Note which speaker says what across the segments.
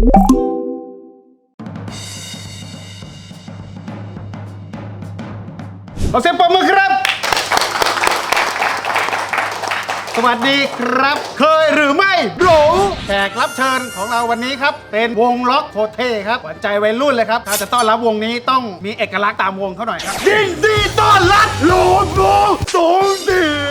Speaker 1: ขอเสียงปรบมือครับสวัสดีครับเคยหรือไม่รู้แขกรับเชิญของเราวันนี้ครับเป็นวงล็อกโคเท่ครับหวานใจวัยรุ่นเลยครับถ้าจะต้อนรับวงนี้ต้องมีเอกลักษณ์ตามวงเขาหน่อยครับยินดีต้อนรับโลโก้สงเดือ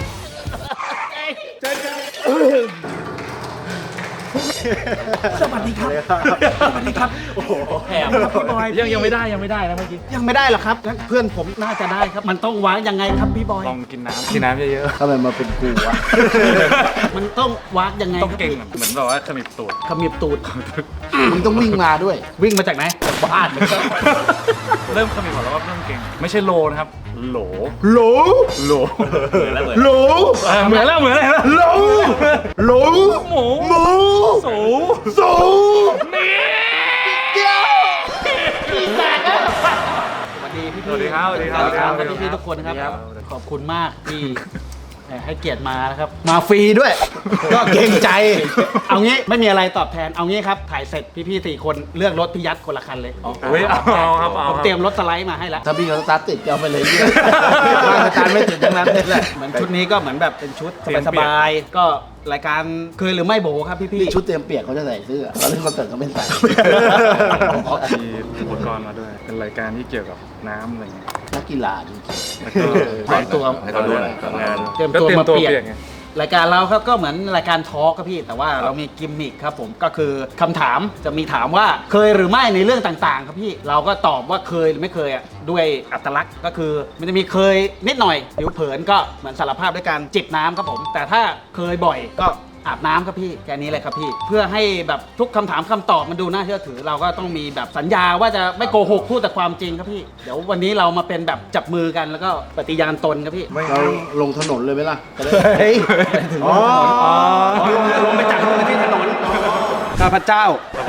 Speaker 1: สวัสดีครับสวัสดีครับโอ้โหแอบครับพี่บอย
Speaker 2: ยังไม่ได้นะเมื่อกี้
Speaker 1: ยังไม่ได้หรอครับงั้นเพื่อนผมน่าจะได้ครับมันต้องวางยังไงครับพี่บอย
Speaker 2: ลองกินน้ำเยอะ
Speaker 3: ทำไมมาเป็นกูวะ
Speaker 1: มันต้องวางยังไง
Speaker 2: ต้องเก่งเหมือนแบบว่าขมิบตูด
Speaker 1: ขมิบตูด
Speaker 3: มึงต้องวิ่งมาด้วย
Speaker 1: วิ่งมาจากไหนจากบ้าน
Speaker 2: เริ่มขมิบก่อนแล้วก็เริ่มเก่งไม่ใช่โลนะครับโหล
Speaker 1: โหล
Speaker 2: โหล
Speaker 1: โหล
Speaker 2: เหมือนแล้ว
Speaker 1: โหลโหล
Speaker 2: หมู
Speaker 1: หมู
Speaker 2: สู
Speaker 1: สู
Speaker 2: นี่
Speaker 1: เดียวพี่แตกแล้วสวัสดีพี่
Speaker 2: สวัสดีครับ
Speaker 1: สวัสดีพี่ทุกคนครับขอบคุณมากที่ให้เกียรติมานะครับมาฟรีด้วย ก็เกรงใจเอางี้ไม่มีอะไรตอบแทนเอางี้ครับถ่ายเสร็จพี่ๆ4 คนเลือกรถพี่ยัดคนละคันเลย
Speaker 2: เฮ้ยเอาครับเอา
Speaker 1: ผมเตรียมรถสไลด์มาให้แล้ว
Speaker 3: ถ้าพี่เขาสตาร์ทติดก็เอาไปเลยเนี่ยสตาร์ทไม่ติดทั้งนั้นเลยแหละ
Speaker 1: เหมือนชุดนี้ก็เหมือนแบบเป็นชุดสบายๆก็รายการเคยหรือไม่โบครับพี่
Speaker 3: นี่ชุดเตรียมเปียกเขาจะใส่เสื้อตอนเล่นคอนเสิร์ตเขาไม่ใส่
Speaker 2: มีอุปกรณ์มาด้วยเป็นรายการที่เกี่ยวกับน้ำอะไรเงี้ย
Speaker 3: นักกีฬาจริง
Speaker 2: แล้วก็
Speaker 1: เตรียมตัว
Speaker 2: ให้เขาดูหน่อยงาน
Speaker 1: เตรียมตัวมาเปียก
Speaker 2: ไง
Speaker 1: รายการเราครับก็เหมือนรายการทอล์กครับพี่แต่ว่าเรามีกิมมิคครับผมก็คือคำถามจะมีถามว่าเคยหรือไม่ในเรื่องต่างๆ ครับพี่เราก็ตอบว่าเคยหรือไม่เคยอ่ะด้วยอัตลักษณ์ก็คือมันจะมีเคยนิดหน่อยผิวเผินก็เหมือนสารภาพด้วยการจิบน้ำครับผมแต่ถ้าเคยบ่อยก็อาบน้ำครับพี่แค่นี้เลยครับพี่เพื่อให้แบบทุกคำถามคำตอบมันดูน่าเชื่อถือเราก็ต้องมีแบบสัญญาว่าจะไม่โกหกพูดแต่ความจริงครับพี่เดี๋ยววันนี้เรามาเป็นแบบจับมือกันแล้วก็ปฏิญาณตนครับพี่
Speaker 3: เราลงถนนเลยไหมล่ะจะได้
Speaker 1: เฮ้ยลงไปจากมือที่ถนนข้าพเจ้า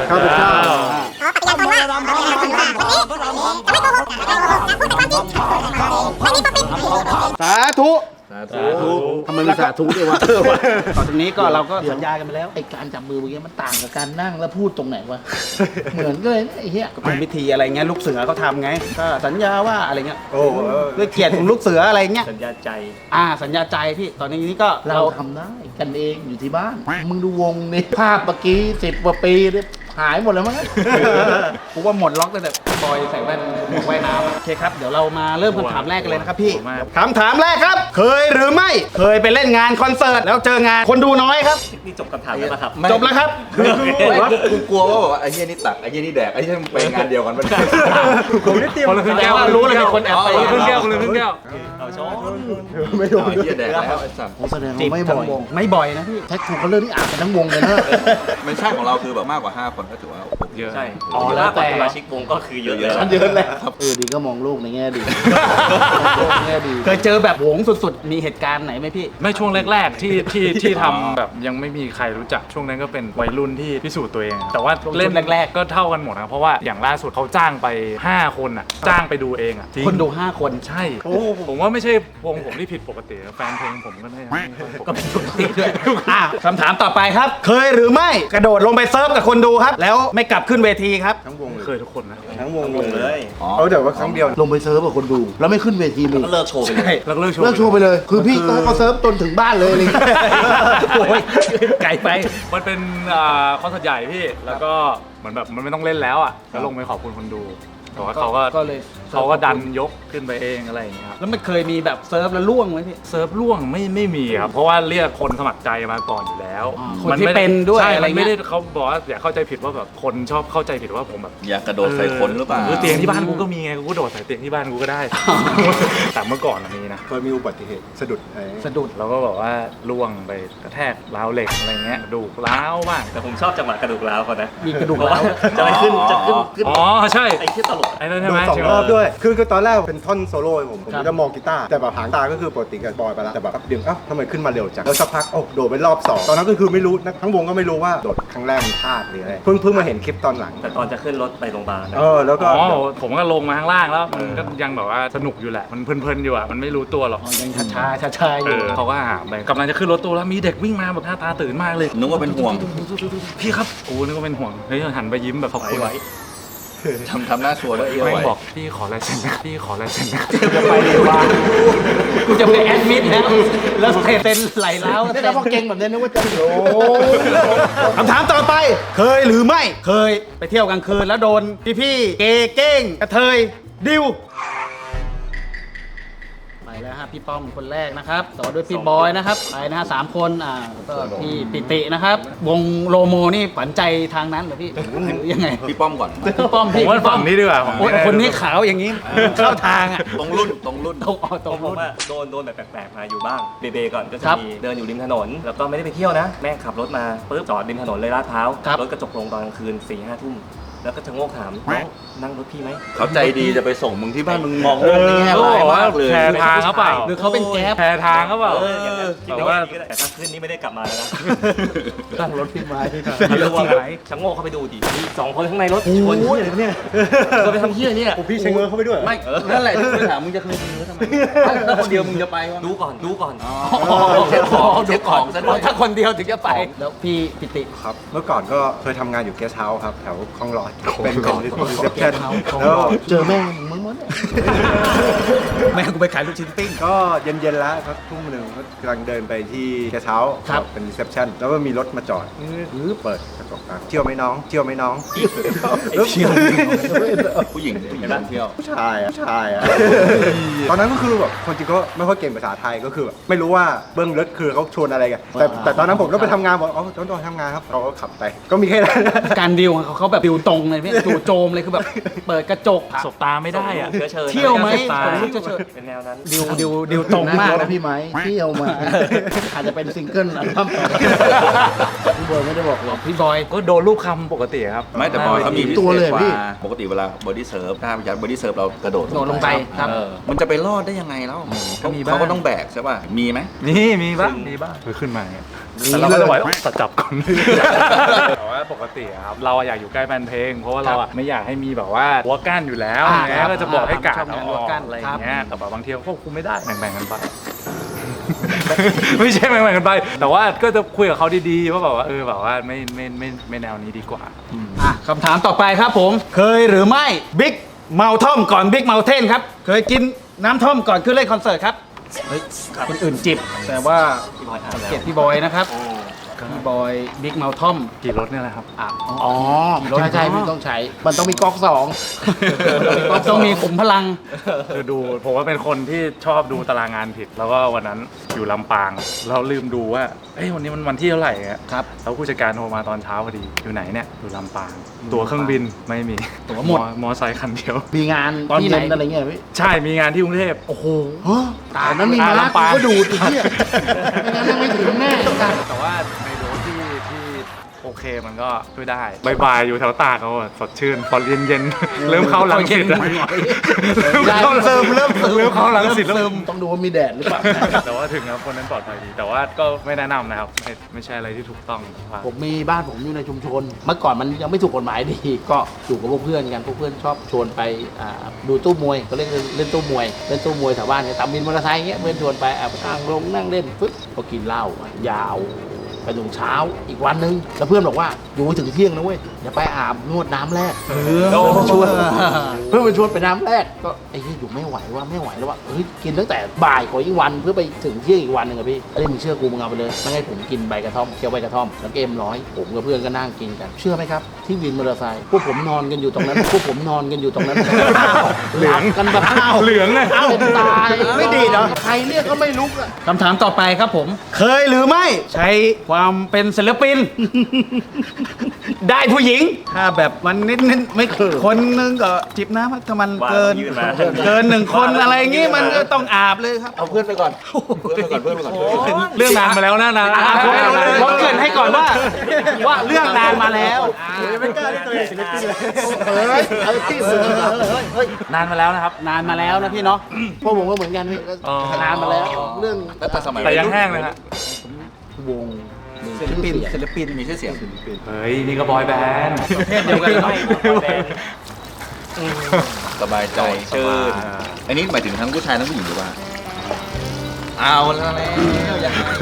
Speaker 1: สาธุ
Speaker 3: ทำไมมีสาธุด้วยวะ
Speaker 1: ต่อจากนี้ก็เราก็สัญญากันไปแล้ว
Speaker 3: ไอการจับมือเมื่อกี้มันต่างกับการนั่งแล้วพูดตรงไหนวะ เหมือนกันเลยนะไอ้เหี้ย
Speaker 1: ก็เป็นพิธีอะไรเงี้ยลูกเสือเขาทำไงก็สัญญาว่าอะไรเงี้ยด้วยเกียรติของลูกเสืออะไรเงี้ย
Speaker 2: สัญญาใจ
Speaker 1: สัญญาใจพี่ตอนนี้ก็
Speaker 3: เราทำได้กันเองอยู่ที่บ้าน มึงดูวงนี่ภาพเมื่อกี้10 กว่าปีเนี่ยหายหมดแล้วมั้ง
Speaker 1: ผมว่าหมดล็อกตั้งแต่บอยใส่แว่นหมวกว่ายน้ำโอเคครับเดี๋ยวเรามาเริ่มคำถามแรกกันเลยนะครับพี่คำถามแรกครับเคยหรือไม่เคยไปเล่นงานคอนเสิร์ตแล้วเจองานคนดูน้อยครับ
Speaker 2: นี่จบคำถามแล้วนะครับ
Speaker 1: จบแล้วครับ
Speaker 4: ผมว่ากูกลัวว่าแบบว่าไอ้เหี้ยนี่ตักไอ้เหี้ยนี่แดกไอ้เหี้ยไปงานเดียวกันมัน
Speaker 2: ผมได้เตรียมคนละครึ่งแก้ว
Speaker 1: รู้เลยมีคนแอบไป
Speaker 2: คนละครึ่งแก้วคนละครึ่งแก้ว
Speaker 3: ไม่โดน
Speaker 4: ไอ้เหี้ยแดกแล้วไอ้สัตว์
Speaker 3: ผมแสดงว่าไม่บ่อย
Speaker 1: ไม่บ่อยนะพี่
Speaker 3: แท็กทูเขาเลิกที่อ่านกันทั้งวงเลยนะ
Speaker 4: ไม่ใช่ของเราคือแบบมากกว่า5 คนก็ถือว่า
Speaker 2: เยอะ
Speaker 5: ใช่
Speaker 3: อ๋อแล้วแต่
Speaker 5: สมาชิกวงก็คือเยอะ
Speaker 4: เยอะ
Speaker 3: เยอะแล้วดีก็มองโลกในแง่ดีแง่ดี
Speaker 1: เคยเจอแบบโหงสุดๆมีเหตุการณ์ไหนไหมพี่
Speaker 2: ไม่ช่วงแรกๆที่ทำแบบยังไม่มีใครรู้จักช่วงนั้นก็เป็นวัยรุ่นที่พิสูจน์ตัวเอง แต่ว่าเล่นแรกๆก็เท่ากันหมดนะเพราะว่าอย่างล่าสุดเขาจ้างไป5 คนอ่ะจ้างไปดูเองอ่ะ
Speaker 1: คนดู5 คน
Speaker 2: ใช่ผมว่าไม่ใช่วงผมที่ผิดปกตินะแฟนเพลงผมก็ได้ไม่ป
Speaker 1: ก็
Speaker 2: ก
Speaker 1: เป็น
Speaker 2: ติ
Speaker 1: ปกติด้วยคำถามต่อไปครับ เคยหรือไม่กระโดดลงไปเซิร์ฟกับคนดูครับ แล้วไม่กลับขึ้นเวทีครับ
Speaker 2: เคยทุกคนนะ
Speaker 4: ทั้งวงเลย
Speaker 3: เดี๋ยวว่าครั้งเดียวลงไปเซิร์ฟกับคนดู แล้วไม่ขึ้นเวทีเลย
Speaker 5: ก็เลิกโชว์ไปเลย
Speaker 2: แล้วก็เลิกโชว์
Speaker 3: เลิกโชว์ไปเลย คือพี่ก็ให้เขาเซิร์ฟจนถึงบ้านเลยอะไรอย่างเงี้ย
Speaker 1: โอ้ยไกลไป
Speaker 2: มันเป็นคอนเสิร์ตใหญ่พี่แล้วก็เหมือนแบบมันไม่ต้องเล่นแล้วอ่ะแล้วลงไปขอบคุณคนดูแต่ว่าเขาก็
Speaker 1: เลย
Speaker 2: เขาก็ดันยกขึ้นไปเองอะไรอย่างเงี้ยครับ
Speaker 1: แล้วมันเคยมีแบบเซิร์ฟแล้วล่วงไหมพี่
Speaker 2: เซิร์ฟล่วงไม่มีครับเพราะว่าเรียกคนสมัครใจมาก่อนอยู่แล้ว
Speaker 1: คนที่เป็นด้วย
Speaker 2: ใช่
Speaker 1: อะไร
Speaker 2: มัน
Speaker 1: เงี้
Speaker 2: ไม่
Speaker 1: ย
Speaker 2: ได้เขาบอกว่าอย่าเข้าใจผิดว่าแบบคนชอบเข้าใจผิดว่าผมแบบ
Speaker 4: อยากกระโดดใส่คนหรือเปล่า
Speaker 2: เตียงที่บ้านกูก็มีไงกูก็โดดใส่เตียงที่บ้านกูก็ได้ แต่เมื่อก่อนมีนะ
Speaker 6: เคยมีอุบัติเหตุสะดุด
Speaker 1: สะดุด
Speaker 2: เราก็บอกว่าล่วงไปกระแทกราวเหล็กอะไรเงี้ยกระดูกร้าวบ้าง
Speaker 5: แต่ผมชอบจังหวะกระดูกร้าวเขานะ
Speaker 1: มีกระดูก
Speaker 5: เพราะ
Speaker 1: ร้า
Speaker 5: ว่าว จะไปขึ้นขึ้น
Speaker 2: อ๋อใช่
Speaker 5: ไอ้ที่ตล
Speaker 2: ไอ้นั่นใช่ไหม
Speaker 5: โดน2 รอบด้วยคือตอนแรกเป็นท่อนโซโล่ผม
Speaker 1: ครับ
Speaker 5: จะมองกีตาร์แต่แบบหางตาก็คือปกติกับบอยไปแล้วแต่แบบเดี๋ยวทำไมขึ้นมาเร็วจังแล้วสักพักโดดไปรอบ2ตอนนั้นก็คือไม่รู้ทั้งวงก็ไม่รู้ว่าโดดครั้งแรกมันพลาดหรืออะไรเพิ่งมาเห็นคลิปตอนหลัง
Speaker 6: แต่ตอนจะขึ้นรถไปโรงพยาบาลนะ
Speaker 5: แล้วก็
Speaker 2: อ๋อผมก็ลงมาข้างล่างแล้วมันก็ยังแบบว่าสนุกอยู่แหละมันเพลินๆอยู่อ่ะมันไม่รู้ตัวหรอก
Speaker 1: ยังช้าๆอยู่
Speaker 2: เขาก็หามไปกำลังจะขึ้นรถตู้แล้วมีเด็กวิ่งมาแบบหน้าตาตื่นมากเลย
Speaker 4: นึกว่าเป็นห่วง
Speaker 2: พี่ครับโอ้นึกว่าเป็นห่วงเฮ้ยหันไปยิ้มแบบขอบคุณ
Speaker 4: ทำหน้าชัวร์ด้วย
Speaker 2: แม่งบอกพี่ขอลายเซ็นนะพี่ขอลายเซ็นนะ
Speaker 1: จะไปดีว่ากูจะไปแอดมิดแล้วเซ็นไหลแล้ว
Speaker 3: นี่แล้วพอเก่งแบบนี้นึกว่าจะโอ้
Speaker 1: คำถามต่อไป เคยหรือไม่เคยไปเที่ยวกลางคืนแล้วโดนพี่ๆเกย์เก้งกระเทยดิวไปแล้วฮะพี่ป้อมคนแรกนะครับต่อด้วยพี่บอยนะครับไปนะฮะ3 คนแล้วก็พี่ปิตินะครับ วงโลโมนี่ฝันใจทางนั้นเหรอพี่หรือยังไง
Speaker 4: พี่ป้อมก่อน
Speaker 1: พี่ป้อม
Speaker 2: ผมว่าฝั่งนี้ดีกว่า
Speaker 1: โอ้ยคนนี้ขาวอย่างนี้เข้าทางอ่ะ
Speaker 4: ตรงรุ่นตรงรุ่น
Speaker 1: ตรงตรง
Speaker 6: ผมว่าโดนแบบแปลกๆมาอยู่บ้างเบๆก่อนก็จะ
Speaker 1: ครับ
Speaker 6: มีเดินอยู่ริมถนน แล้วก็ไม่ได้ไปเที่ยวนะ แม่งขับรถมาปุ๊บจอดริมถนนเลยลาดพร้าว
Speaker 1: ครับ
Speaker 6: รถกระจกลงตอนกลางคืน4-5 ทุ่มแล้วก็ชะโงกถามน้องนั่งรถพี่ไหม
Speaker 4: เขาใจดีจะไปส่งมึงที่บ้านมึงมองโลกในแง่ร้ายมากเลย
Speaker 2: แชร์ทางเขาเปล่า
Speaker 1: หรือเขาเป็นแก๊ป
Speaker 2: แชร์ทางเขาเปล่า
Speaker 6: อย่างนั้นคิด
Speaker 2: แต่
Speaker 6: ว่า
Speaker 2: ว่า
Speaker 6: แต่ถ้าขึ้นนี่ไม่ได้กลับมาแล้วนะ
Speaker 3: ตั้งรถพี่ไม้
Speaker 6: ไม่รู้ว่าชะโงกเข้าไปดูดิมี2 คนข้างในรถชนเฮียอะไรเนี่ยจะไปทำเฮียเนี่ย
Speaker 5: พี่เชงเงอเข้าไปด้วย
Speaker 4: ไม่ นั่นแหละที่กูถามมึงจะเคยซื้อทำไมถ้าคนเดียวมึงจะไปวะ
Speaker 6: ดูก่อน
Speaker 4: เช็คของซะด้วย
Speaker 1: ถ้าคนเดียวถึงจะไป แล้วพี่ปิติ
Speaker 5: ครับเมื่อก่อนก็เคยทำงานอยู่เกสต์เฮาส์ครับแถวคลองหลอดเป็น
Speaker 1: คลองหลอด
Speaker 5: รีเซพชันแล้ว
Speaker 3: เจอแม่มึงมั้งเนี่ย
Speaker 1: แม่กูไปขายลูกชิ้นปิ้ง
Speaker 5: ก็เย็นๆแล้วสักทุ่มหนึ่งก็กำลังเดินไปที่เกสต์เฮาส์
Speaker 1: ครับ
Speaker 5: เป็นรีเซพชันแล้วก็มีรถมาจอดเปิดกระจกมาเที่ยวไหมน้องเที่ยวไหมน้อง
Speaker 1: เที่ยว
Speaker 4: ผู้หญิงท่องเที่ยว
Speaker 5: ผู้ชายอะตอนนั้นก็คือแบบคนจริงก็ไม่ค่อยเก่งภาษาไทยก็คือแบบไม่รู้ว่าเบื้องลึกคือเขาชวนอะไรกันแต่ตอนนั้นผมก็ไปทำงานบอกอ๋อตอนทำงานครับเราก็ขับไปก็มีแค่นั้น
Speaker 1: การดิวของเขาแบบดิวตรงเลยพี่จู่โจมเลยคือแบบเปิดกระจก
Speaker 2: สบตาไม่ได้อะ
Speaker 6: เชื้อเชิญ
Speaker 1: เที่ยวไหม
Speaker 2: ตาย
Speaker 1: ผมรู้จะเชิญ
Speaker 6: เป็นแนวนั้น
Speaker 1: ดิวตรงมาก
Speaker 3: นะ
Speaker 1: นะ
Speaker 3: พี่ไม้เที่ยวมา อาจจะเป็นซิงเกิลอัลบั้มพี่บอยไม่ได้บอกหรอก
Speaker 1: พี่บอย
Speaker 2: ก็โดนลูกคำปกติครับ
Speaker 4: ไม่แต่บอยเขามีพิ
Speaker 3: ตัว
Speaker 4: เศ
Speaker 3: เล
Speaker 4: ษ
Speaker 3: ย
Speaker 4: ก
Speaker 3: พี่
Speaker 4: ว่าปกติเวลาบอดี้เซิร์ฟถ้าพิจารบอดี้เซิร์ฟเรากระโดด
Speaker 1: โดดลงไปครับ
Speaker 4: มันจะไปรอดได้ยังไงแล้ว
Speaker 2: ก็มีบ้าง
Speaker 4: เขาก็ต้องแบกใช่ป่ะ มีไหม
Speaker 2: มีบ้างคือขึ้นมาอย่างเงี้ยแต่เราก็จะไหวตัดจับก่อนแต่ว่าปกติอะครับเราอยากอยู่ใกล้แฟนเพลง เพราะว่าเราอะไม่อยากให้มีแบบว่าหัวกั้นอยู่แล้ว
Speaker 1: อ่า
Speaker 2: อย่างเงี้ยก็จะบอกให้กาด
Speaker 1: ชอบ
Speaker 2: เอา
Speaker 1: งาน
Speaker 2: อ
Speaker 1: หัว
Speaker 2: อก
Speaker 1: กั้น
Speaker 2: อะไรอ
Speaker 1: ครับ
Speaker 2: ย่างเงี้ยแต่แบบบางทีก็ควบคุมไม่ได้แบ่งๆกันไป ไม่ใช่แบ่งๆกันไป แต่ว่าก็จะคุยกับเขาดีๆว่าแบบว่าแบบว่าไม่แนวนี้ดีกว่า
Speaker 1: คำถามต่อไปครับผม เคยหรือไม่บิ๊กเมาท่อมก่อนบิ๊กเมาเทนครับ เคยกินน้ำท่อมก่อนขึ้นเล่นคอนเสิร์ตครับเฮ้ยคนอื่นจิบ แต่ว่า
Speaker 6: พี่บอยอ่าน
Speaker 1: เกียร
Speaker 6: แล้ว
Speaker 1: ติพี่บอยนะครับพี่บอยบิ๊กเมาท่อม
Speaker 2: กี่รถเนี่ยแหละครับ
Speaker 3: อ๋อใช่พี่ต้องใช้ มันต้องมีก๊อกสอง
Speaker 1: ต้องมีขุมพลัง
Speaker 2: คือดูผมว่าเป็นคนที่ชอบดูตารางงานผิด แล้วก็วันนั้นอยู่ลำปางเราลืมดูว่าวันนี้มันวันที่เท่าไหร่อะ
Speaker 1: ครับ
Speaker 2: แล้วผู้จัดการโทรมาตอนเช้าพอดีอยู่ไหนเนี่ยอยู่ลำปาง ตั๋วเครื่องบินไม่มี
Speaker 1: ตั๋วหมด
Speaker 2: มอไซค์คันเดียว
Speaker 3: มีงาน
Speaker 1: ตอน
Speaker 3: ที่
Speaker 1: ไห
Speaker 3: ไห
Speaker 1: น
Speaker 3: นอะไรเงี้ยพี่
Speaker 2: ใช่มีงานที่กรุงเทพ
Speaker 1: โอ้โห
Speaker 3: ตอนนั้นมีมา
Speaker 2: ลำปาง
Speaker 3: ก็ดูดอีกเนี่ยไม่งั้นไม่ถึงแน่
Speaker 2: แต่ว่าในโดสที่โอเคมันก็ช่วยได้บายอยู่แถวตากเขาอะสดชื่นพอเย็นๆเริ่มเข้าหลังสิตแล้วเริ่มเข้าหลังสิตแล้ว
Speaker 3: ต้องดูว่ามีแดดหรือเปล่า
Speaker 2: แต่ว่าถึงครับคนนั้นปลอดภัยดี แต่ว่าก็ไม่แนะนำนะครับไม่ใช่อะไรที่ถูกต้องว่า
Speaker 3: ผมมีบ้านผมอยู่ในชุมชน เมื่อก่อนมันยังไม่ถูกกฎหมายดี ก็อยู่กับพวกเพื่อนกันพวกเพื่อนชอบชวนไปดูตู้มวยก็เล่นตู้มวยเล่นตู้มวยแถวบ้านเนี่ยตามวินมอเตอร์ไซค์เงี้ยเพื่อนชวนไปนั่งลงนั่งเล่นปึ๊บก็กินเหล้ายาวไปถึงเช้าอีกวันนึงแล้วเพื่อนบอกว่าอยู่ถึงเที่ยงนะเว้ยอย่าไปอาบนวดน้ำแรกเพื่อนไปชวนไปน้ำแรกก็ไอ้ที่อยู่ไม่ไหวว่าไม่ไหวแล้วว่าเฮ้ยกินตั้งแต่บ่ายของอีกวันเพื่อไปถึงเที่ยงอีกวันหนึ่งอะพี่ไอ้มึงเชื่อกูมึงเอาไปเลยไม่ให้ผมกินใบกระท่อมเคี้ยวใบกระท่อมแล้วเกมร้อยผมกับเพื่อนก็นั่งกินกันเชื่อไหมครับที่วินมอเตอร์ไซค์พวกผมนอนกันอยู่ตรงนั้นพวกผมนอนกันอยู่ตรงนั้นหลับกันแบบ
Speaker 2: เหลืองเลย
Speaker 3: เป็นตาย
Speaker 1: ไม่ดีเหรอ
Speaker 3: ใครเรียกก็ไม่ลุกอะ
Speaker 1: คำถามต่อไปครับผม เคยหรือไม่ใช้ความเป็นศิลปิน ได้ผู้หญิง ถ้าแบบมันนิดไม่คนนึงก็จิบน้ำถ้ามันเกิน
Speaker 6: ยื่นมา
Speaker 1: เกินหนึ่งคนอะไรอย่างงี้มันก็ต้องอาบเลยครับ
Speaker 4: เอาเพื่อนไปก่อน เพื่อนไปก่อน
Speaker 2: เรื่องนานมาแล้วนะ
Speaker 1: ผมเกรินให้ก่อนว่าเรื่องนานมาแล้ว
Speaker 5: ไม่กล้าที่ตัวเองศิลปินเลย
Speaker 6: นานมาแล้วนะครับ
Speaker 1: นานมาแล้วนะพี่เนาะ
Speaker 3: พวกผมก็เหมือนกันพี่ก็
Speaker 2: อ๋อ
Speaker 3: นานมาแล้วเรื่อง
Speaker 4: แล้วแต่สมัย
Speaker 2: แต่ยังแห้งเลยฮะ
Speaker 3: วง
Speaker 1: ศิลปินศิลปิน
Speaker 4: มีชื่อเสียง
Speaker 2: เฮ้ย นี่ก็บอยแบนด์
Speaker 1: เพศเดียวกันเนาะ
Speaker 4: สบายใจชื่นอันนี้หมายถึงทั้งผู้ชายทั้งผู้หญิงหรือว่า เอาแล้วยังไง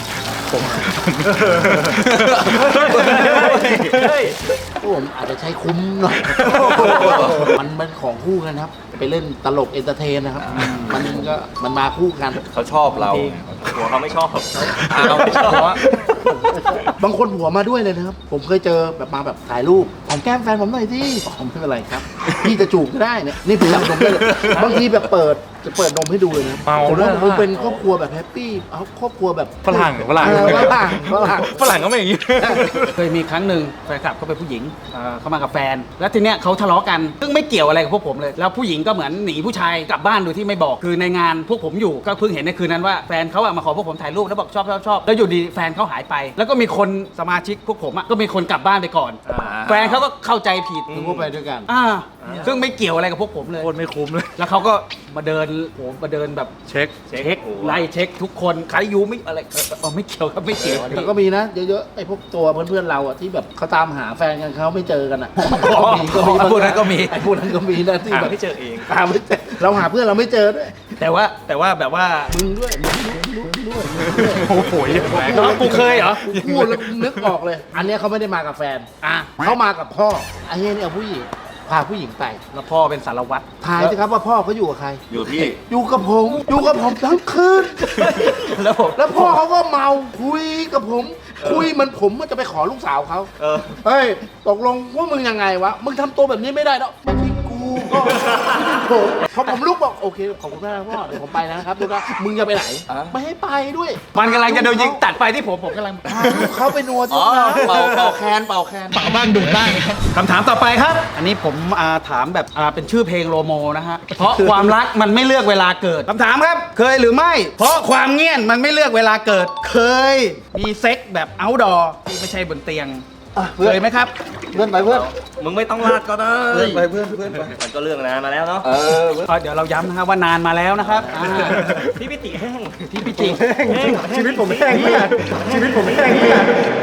Speaker 3: พวกผมอาจจะใช้คุ้มหน่อย มันเป็นของคู่กันครับ ไปเล่นตลกเอนเตอร์เทนนะครับ มันมาคู่กัน
Speaker 4: เขาชอบเรา
Speaker 6: หัวเขาไม่ชอบ
Speaker 4: เอาไม่ชอบ
Speaker 3: บางคนหัวมาด้วยเลยนะครับ ผมเคยเจอแบบมาแบบถ่ายรูปหอมแก้มแฟนผมหน่อยสิผมไม่เป็นไรครับ พี่จะจูบก็ได้เนี่ยนี่ผมรับนมได้เลยบางทีแบบจะเปิดนมให้ดูเลยนะ
Speaker 2: เมา
Speaker 3: ผม
Speaker 2: ด้ว
Speaker 3: ว่าย ผมเป็นครอบครัวแบบแฮปปี้เอาครอบครัวแบบ
Speaker 2: ฝรั่ง
Speaker 3: ฝรั่ง
Speaker 2: ฝรั่งก็ไม่อย่างนี้
Speaker 1: เคยมีครั้งหนึ่งแฟนคลับเขาเป็นผู้หญิงเขามากับแฟน แล้วทีเนี้ยเขาทะเลาะกันซึ่งไม่เกี่ยวอะไรกับพวกผมเลย แล้วผู้หญิงก็เหมือนหนีผู้ชายกลับบ้านโดยที่ไม่บอกคือในงานพวกผมอยู่ก็เพิ่งเห็นในคืนนั้นว่าแฟนเขาอะมาขอพวกผมถ่ายรูปแล้วบอกชอบแล้วอยู่ดีแฟนเขาหายไป แล้วก็มีคนสมาชิกพวกผมอะก็มีคนกลับบ้านไปก่อน แฟนเขาก็เข้าใจผิด
Speaker 3: ถึงพวกไปด้วยกัน
Speaker 1: ซึ่งไม่เกี่ยวอะไรกับพวกผมเลย
Speaker 2: โคตรไม่คุ้มเลย
Speaker 1: แล้วเขาก็มาเดินมาเดินแบบ
Speaker 2: เช็ค
Speaker 1: เช็คไล่เช็คทุกคนใครอยู่ไม่อะไรไม่เกี่ยวครับไม่เกี่ยวอัน
Speaker 3: แต่
Speaker 1: นี้
Speaker 3: ก็มีนะเยอะๆไอ้พวกตัวเพื่อนๆเราอ่ะที่แบบเขาตามหาแฟนกันเขาไม่เจอกันอ่ะ
Speaker 1: อ๋อพวกนั้นก็มี
Speaker 3: ไอ้พวกนั้นก็มีนะที่
Speaker 6: หา
Speaker 3: แบบ
Speaker 6: ไม่เจอเอง
Speaker 3: หาไม่เจอเราหาเพื่อนเราไม่เจอด้วย
Speaker 1: แต่ว่าแบบว่า
Speaker 3: มึงด้วยมึงด้วย
Speaker 2: โอ้โหแรง
Speaker 1: น้องกูเคยเหรอ
Speaker 3: พูดแล้วนึกออกเลย อันเนี้ยเขาไม่ได้มากับแฟน
Speaker 1: อ่ะ
Speaker 3: เขามากับพ่อไอ้เนี้ยเนี่ยเอาผู้หญิงพาผู้หญิงไป
Speaker 1: แล้วพ่อเป็นสารวัตร
Speaker 3: ทายสิครับว่าพ่อเขาอยู่กับใคร
Speaker 4: อยู่ที่
Speaker 3: อยู่กับผมทั้งคืน
Speaker 1: แล้วผม
Speaker 3: แล้วพ่อเขาก็เมาคุยกับผม คุยเหมันผมจะไปขอลูกสาวเขาเฮ้ยตกลงว่ามึงยังไงวะมึงทำตัวแบบนี้ไม่ได้แล้วไม่ใช่กูก็ไม่ใช่ผมพอผมลุกบอกโอเคขอบคุณมากนะพ่อเดี๋ยวผมไปแล้วนะครับดูนะมึงจะไปไหนไม่ให้ไปด้วย
Speaker 1: มันกำลังจะโดนยิงตัดไปที่ผมกำลัง
Speaker 3: พาลูกเขาไปนัว
Speaker 4: อ๋
Speaker 3: ที่
Speaker 4: อ
Speaker 3: ร้าน
Speaker 4: เป่าแคนเป่าแคน
Speaker 1: เป่าบ้างดูดบ้างคำถามต่อไปครับ อันนี้ผมถามแบบเป็นชื่อเพลงโลโมนะฮะเพราะความรักมันไม่เลือกเวลาเกิดคำถามครับ เคยหรือไม่ เพราะความเงียบมันไม่เลือกเวลาเกิด เคยมีเซ็กแบบเอาท์ดอร์ที่ไม่ใช่บนเตียงเคยไหมครับ
Speaker 3: เพื่อนไปเพื่อน
Speaker 6: มึงไม่ต้องลาดก็ได้
Speaker 4: เพื่อนไป
Speaker 6: มันก็เรื่องนานมาแล้วเนาะ
Speaker 1: ก็เดี๋ยวเราย้ำนะครับว่านานมาแล้วนะครับ
Speaker 6: พี่พิติแห้ง
Speaker 1: พี่พิจิ
Speaker 5: ชีวิตผมแห้งมากชีวิตผมแห้งมาก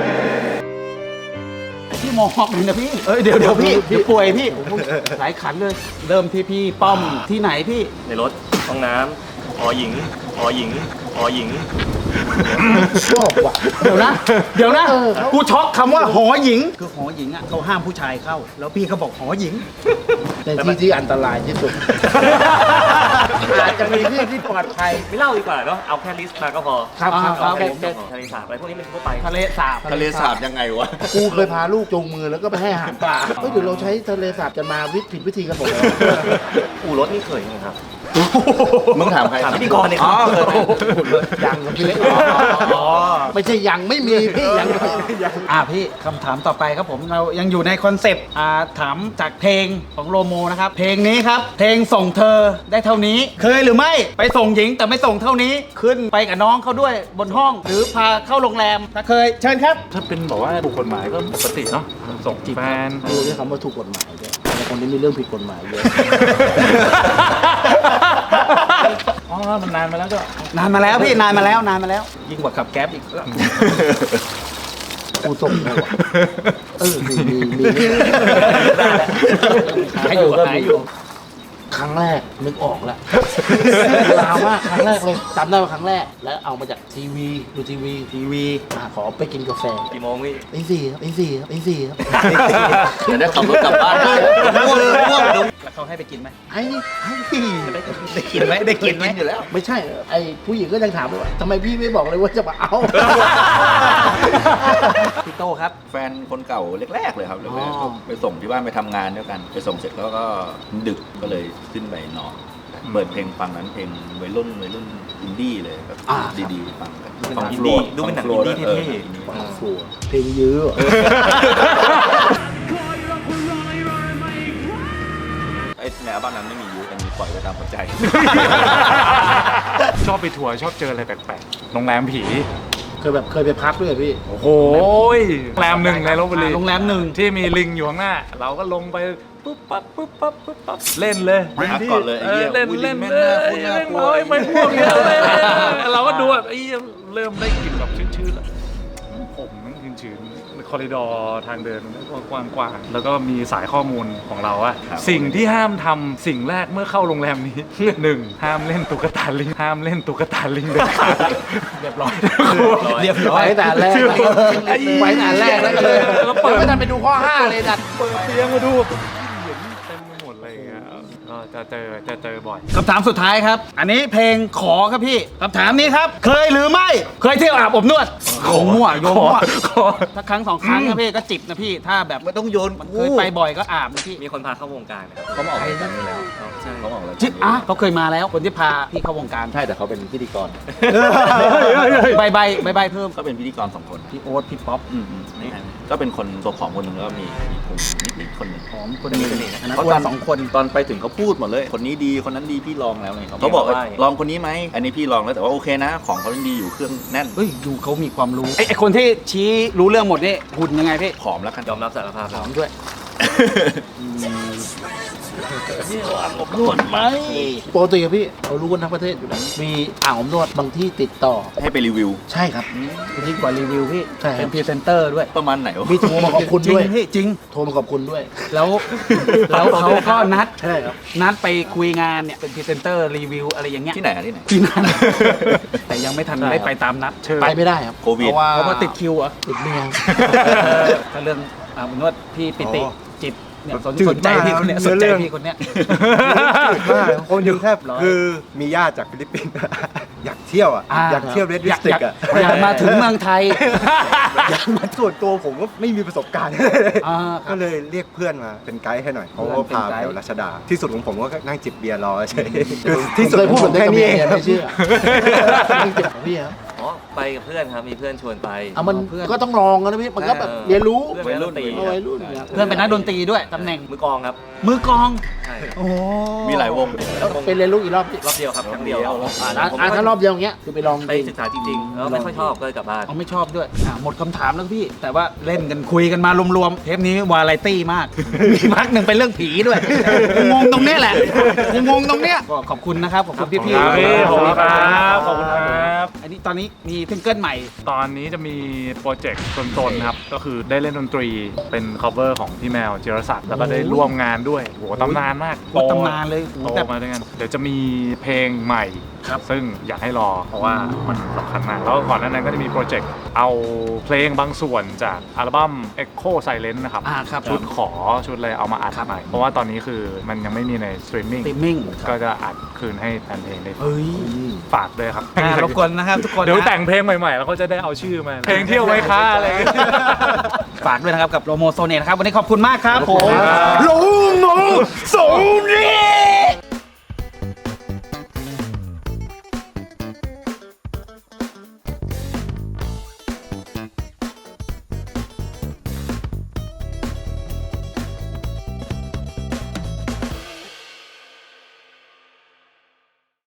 Speaker 1: พี่มอกเลยนะพี่เดี๋ยวพี่เดี๋ยวป่วยพี่หลายขันเลย เริ่มที่พี่ป้อมที่ไหนพี่
Speaker 6: ในรถห้องน้ำหอหญิงหอหญิงหอหญิง
Speaker 3: ชอบว่ะ
Speaker 1: เดี๋ยวนะ
Speaker 3: เออ
Speaker 1: กูช็อกคำว่าหอหญิง คือหอหญิงอ่ะเขาห้ามผู้ชายเข้า แล้วพี่เขาบอกหอหญิง
Speaker 3: ในที่ที่อันตรายที่สุด อาจจะมีที่ที่ปลอดภัย
Speaker 6: ไม่เล่าดีกว่าเนาะเอาแค่ลิสต์มาก็พอ
Speaker 3: ครับ
Speaker 6: เอาแค่ลิสต์ก็พอทะเลสาบอะไรพวกนี้เป็นทั่วไป
Speaker 1: ทะเลสาบ
Speaker 4: ทะเลสาบยังไงวะ
Speaker 3: กูเคยพาลูกจูงมือแล้วก็ไปให้อาหารปลาเฮ้ยเดี๋ยวเราใช้ทะเลสาบกันมาผิดวิธีกันหมดเลย
Speaker 6: อู่รถนี่เคยไหมครับ
Speaker 4: มึงถามใคร
Speaker 6: ถามพิธีกรเนี่ย
Speaker 4: อ๋อเคยไหม
Speaker 3: ยังกับพี่เล็กไม่ใช่ยังไม่มีพี่ยังไม่มี
Speaker 1: พี่คำถามต่อไปครับผมเรายังอยู่ในคอนเซปต์ถามจากเพลงของโลโมนะครับ เพลงนี้ครับ เพลงส่งเธอได้เท่านี้ เคยหรือไม่ไปส่งหญิงแต่ไม่ส่งเท่านี้ ขึ้นไปกับน้องเขาด้วยบนห้อง หรือพาเข้าโรงแรมถ้าเคยเชิญครับ
Speaker 2: ถ้าเป็นบอกว่าถูกกฎหมายก็ปกติเนาะ ส่งแฟน
Speaker 3: ดูด้วยคำว่าถูกกฎหมายด้วยแต่คนนี้มีเรื่องผิดกฎหมายเยอะ
Speaker 2: อ๋อ มันนานมาแล้วก็
Speaker 1: นานมาแล้วพี่นานมาแล้วยิ่งกว่าขับแก๊ปอีก
Speaker 3: กูส่งเลยว่ะมี
Speaker 1: หายอยู่
Speaker 3: ครั้งแรกนึกออกแล้วลาวมากครั้งแรกเลยจำได้ว่าครั้งแรกแล้วเอามาจากทีวีดูทีวีขอไปกินกาแฟ
Speaker 6: กี่โมงพี่
Speaker 3: ตีสี่ครับตีสี่ครับ
Speaker 4: จะได้ขับรถกลับบ้านง่วงเดี๋ยว
Speaker 1: แล้วเขาให้ไปกินไหม
Speaker 3: ไอ้
Speaker 1: ได้กินไหมได้กินไหม
Speaker 4: อยู่แล้ว
Speaker 3: ไม่ใช่ไอ้ผู้หญิงก็ยังถามเลยว่าทำไมพี่ไม่บอกเลยว่าจะมาเอา
Speaker 1: พี่โตครับ
Speaker 4: แฟนคนเก่าแรกๆเลยครับแรกๆก็ไปส่งที่บ้านไปทำงานด้วยกัน ไปส่งเสร็จแล้วก็ดึกก็เลยขึ้นไปนอนเปิดเพลงฟังนั้นเพลงวัยรุ่นอินดี้เลยแบบดีๆฟังกัน
Speaker 6: หนังอินดี้ดูเป็นหนังอินดี้เท่
Speaker 3: ฟัวเพลงยื้อ
Speaker 4: ไอ้ในอัลบั้มนั้นไม่มียูแต่มีปล่อยไว้ตามหัวใจ
Speaker 2: ชอบไปทัวร์ชอบเจออะไรแปลกๆโรงแรมผี
Speaker 3: เคยไปพักด้วยเหรอพี่
Speaker 2: โอ้โหโรงแรมหนึ่งในลพบุรี
Speaker 1: โรงแรมหนึ่ง
Speaker 2: ที่มีลิงอยู่ข้างหน้า เราก็ลงไปปุ๊บปั๊บปุ๊บปั๊บปุ๊บปั๊บเล่นเลย
Speaker 4: พักก่อนเลยไอ้เหี้ย
Speaker 2: เล่น
Speaker 4: อุ้ย
Speaker 2: เล่น
Speaker 4: แม่ง
Speaker 2: เล
Speaker 4: น่าย กลัว
Speaker 2: เล่น
Speaker 4: น่ากลัว
Speaker 2: น้อยไม่พวกเนี้ยเลยเราก็ดูแบบไอ้เหี้ยเริ่มได้กลิ่นแบบชื้นๆแล้วผมนั่งชื้นๆคอริดอร์ทางเดินกว้างๆแล้วก็มีสายข้อมูลของเราอะสิ่งที่ห้ามทำสิ่งแรกเมื่อเข้าโรงแรมนี้ 1. ห้ามเล่นตุ๊กตาลิงห้ามเล่นตุ๊กตาลิงเด็ดขาด
Speaker 1: เรียบร้อยเรียบร้อย
Speaker 3: ไว้แต่แรกไว้แต่แรกแล้วก็เลยแล้วเปิดไม่ทันไปดูข้อ 5 เลยดัด
Speaker 2: เปิดเตียงมาดูเห็นเต็มไปหมดเลยอย่างเงี้ยก็จะเจอบ่อย
Speaker 1: คำถามสุดท้ายครับ อันนี้เพลงขอครับพี่คำถามนี้ครับ เคยหรือไม่เคยเที่ยวอาบอบนวดโยงมั่วโยงมั่ว
Speaker 2: ขอ
Speaker 1: ถ้าครั้ง2 ครั้งนะพี่ก็จิบนะพี่ถ้าแบบ
Speaker 4: ไม่ต้องโยน
Speaker 1: เคยไปบ่อยก็อาบนะพี่
Speaker 6: มีคนพาเข้าวงการนะครับ
Speaker 4: เขามาออกรายการนี้แล้ว
Speaker 6: ใช่
Speaker 4: เขามาออกรายการ
Speaker 1: จิบอ่ะเขาเคยมาแล้วคนที่พาพี่เข้าวงการ
Speaker 4: ใช่แต่เขาเป็นพิธีกร
Speaker 1: ใบเพิ่ม
Speaker 4: ก็เป็นพิธีกร2 คน
Speaker 1: พี่โอ๊ตพี่ป๊อป
Speaker 4: นี่ก็เป็นคนตัวผอมคนหนึ่งแล้วก็มีพุงนิดๆคนหนึ่ง
Speaker 1: หอมคนนี้อันนั้น
Speaker 4: เพราะ
Speaker 1: อ้ว
Speaker 4: ตอน
Speaker 1: น2 คน
Speaker 4: ตอนไปถึงเขาพูดหมดเลย คนนี้ดีคนนั้นดีพี่ลองแล้วไงเขาบอกลองคนนี้ไหมอันนี้พี่ลองแล้วแต่ว่าโอเคนะ ของเขายังดีอยู่เครื่องแน่น
Speaker 1: เฮ้ยดูเขามีความรู้ไอ้คนที่ชี้รู้เรื่องหมดนี่หุ่นยังไงพี่
Speaker 4: ผอมแล้วกัน
Speaker 6: ยอมรับสารภาพ
Speaker 1: หอมด้วย
Speaker 3: ปกติอะพี่เรารู้กันทั้งประเทศอยู่แล้วมีอ่างอบนวดบางที่ติดต่อ
Speaker 4: ให้ไปรีวิว
Speaker 3: ใช่ครับ
Speaker 1: ยิ่งกว่ารีวิวพี่
Speaker 3: ใช่ครับ
Speaker 1: เป็นพรีเซนเตอร์ด้วย
Speaker 4: ประมาณไหนวะ
Speaker 3: มีโทรมาขอบคุณด้วย
Speaker 1: จริงพี่จริง
Speaker 3: โทรมาขอบคุณด้วย
Speaker 1: แล้วเขาก็นัด
Speaker 3: ใช่ครับ
Speaker 1: นัดไปคุยงานเนี่ยเป็นพรีเซนเตอร์รีวิวอะไรอย่างเงี้ย
Speaker 4: ที่ไหนอะที่ไหน
Speaker 1: ที่นั่น แต่ยังไม่ทันได้ไปตามนัด
Speaker 3: ไปไม่ได้ครับ
Speaker 4: โควิด
Speaker 1: เพราะว่าติดคิวเหรอ
Speaker 3: ติดเมีย
Speaker 1: ถ้าเรื่องนวดพี่ปิติ
Speaker 5: อ๋อ
Speaker 1: จิตเนี่ย
Speaker 5: จืด
Speaker 1: สนใจ
Speaker 5: มาก
Speaker 1: พี่คนเนี้ย
Speaker 5: เนื้
Speaker 1: ส
Speaker 5: อน
Speaker 1: ใจ
Speaker 5: เรื่อง
Speaker 1: พี่คนเนี้ย
Speaker 5: จืดมากคนยังแทบ
Speaker 1: ร้อย
Speaker 5: คือมีญาติจากฟิลิปปินส์ อยากเที่ยวอ่ะ อยากเที่ยวเรดดิสติกอ่ะ
Speaker 1: อยากมาถึงเมืองไทย
Speaker 5: อยากมาส่วนตัวผมก็ไม่มีประสบการณ์
Speaker 1: อ่า
Speaker 5: ก็เลยเรียกเพื่อนมาเป็นไกด์ให้หน่อยเขาก็พาไปแถวรัชดา ที่สุดของผมก็นั่งจิบเบียร์รอเฉย
Speaker 3: ที่สุดพูดแบบนี้
Speaker 5: แค่
Speaker 3: กับ
Speaker 5: นี้
Speaker 3: เมี
Speaker 5: เอย ง
Speaker 3: ไม่เชื่อไม่เจ็บของพี่ครับ
Speaker 6: อ๋อไปกับเพื่อนครับมีเพื่อนชวนไป
Speaker 3: เอามันก็ต้องลองกันนะพี่มันก็แบบเรียนรู้
Speaker 6: เพื่อนเป็นนักดนตรี
Speaker 3: เอาวัยรุ่นเนี่ย
Speaker 1: เพื่อนเป็นนักดนตรีด้วยตำแหน่ง
Speaker 6: มือกลองครับ
Speaker 1: มือกลอง
Speaker 6: ใช่
Speaker 1: โอ้
Speaker 4: มีหลายวง
Speaker 3: เป็นเรียนรู้อีกรอบพี่
Speaker 6: รอบเดียวครับครั้งเดียว
Speaker 3: ถ้ารอบเดียวอย่างเงี้ยคือไปลอง
Speaker 6: ไปศึกษาจริงๆแล้วไม่ค่อยชอบก็เลยกลับบ้าน
Speaker 1: เอาไม่ชอบด้วยหมดคำถามแล้วพี่ แต่ว่าเล่นกันคุยกันมารวมๆเทปนี้วาไรตี้มาก มีพักหนึ่งเป็นเรื่องผีด้วยงงตรงเนี้ยแหละงงตรงเนี้ยก็ขอบคุณนะครับขอบคุณพี่
Speaker 2: ครับพี่ขอบคุณค
Speaker 1: ๆ
Speaker 2: รับขอบคุณครับ
Speaker 1: อันนี้ตอนนี้มีซิงเกิลใหม่
Speaker 2: ตอนนี้จะมีโปรเจกต์ตนๆครับ ก็คือได้เล่นดนตรีเป็น cover ของพี่แมวจิรศักดิ์แล้วก็ได้ร่วมงานด้วยโหตำนานมาก
Speaker 1: โหตำนานเลยโห
Speaker 2: โต
Speaker 1: แบบ
Speaker 2: มาด้วยกันเดี๋ยวจะมีเพลงใหม่
Speaker 1: ครับ
Speaker 2: ซึ่งอยากให้รอเพราะว่ามันสำคัญมาก แล้วก่อนหน้านั้นก็จะมีโปรเจกต์เอาเพลงบางส่วนจากอัลบั้ม Echo Silence นะครับ
Speaker 1: ครับ
Speaker 2: ชุดขอชุดอะไรเอามาอัดใหม่เพราะว่าตอนนี้คือมันยังไม่มีในสตรีมมิ่ง
Speaker 1: ติมมิ่ง
Speaker 2: ก็จะอัดคืนให้แฟนเพลงได้ฟัง
Speaker 1: เฮ้ย
Speaker 2: ฝากด้วยครับ
Speaker 1: รบกวนนะครับทุกคน
Speaker 2: เดี๋ยว
Speaker 1: นะ
Speaker 2: แต่งเพลงใหม่ๆ แล้วก็จะได้เอาชื่อมา เพลงเที่ยวไว้ค้าอะไรอย่างเงี้ย
Speaker 1: ฝากด้วยนะครับกับโลโมโซเนตนะครับ วันนี้ขอบคุณมากครับผม
Speaker 2: ครับ
Speaker 1: โลโมโซเนต